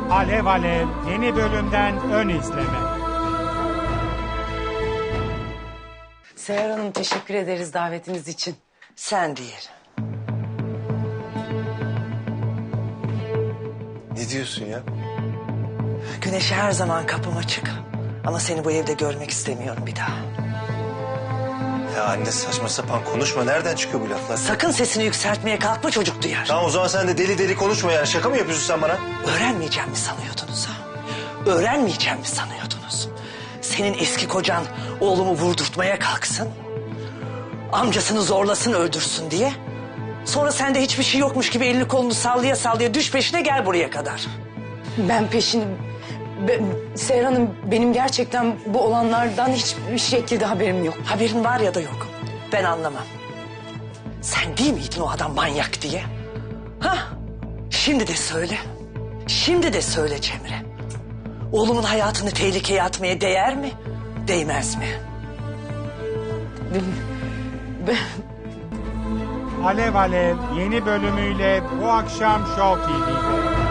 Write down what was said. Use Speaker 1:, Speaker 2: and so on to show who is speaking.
Speaker 1: Alev Alev yeni bölümden ön izleme.
Speaker 2: Seher Hanım, teşekkür ederiz davetiniz için.
Speaker 3: Sen değil.
Speaker 4: Ne diyorsun ya?
Speaker 3: Güneşe her zaman kapım açık. Ama seni bu evde görmek istemiyorum bir daha.
Speaker 4: Ya anne saçma sapan konuşma. Nereden çıkıyor bu laflar?
Speaker 3: Sakın sesini yükseltmeye kalkma, çocuk duyar.
Speaker 4: Tamam o zaman sen de deli deli konuşma yani. Şaka mı yapıyorsun sen bana?
Speaker 3: Öğrenmeyeceğim mi sanıyordunuz ha? Öğrenmeyeceğim mi sanıyordunuz? Senin eski kocan oğlumu vurdurtmaya kalksın. Amcasını zorlasın, öldürsün diye. Sonra sende hiçbir şey yokmuş gibi elini kolunu sallaya sallaya düş peşine, gel buraya kadar.
Speaker 2: Ben Seher Hanım, benim gerçekten bu olanlardan hiçbir şekilde haberim yok.
Speaker 3: Haberin var ya da yok. Ben anlamam. Sen değil miydin o adam manyak diye? Ha? Şimdi de söyle. Şimdi de söyle Cemre. Oğlumun hayatını tehlikeye atmaya değer mi? Değmez mi?
Speaker 1: Alev Alev yeni bölümüyle bu akşam Show TV'de.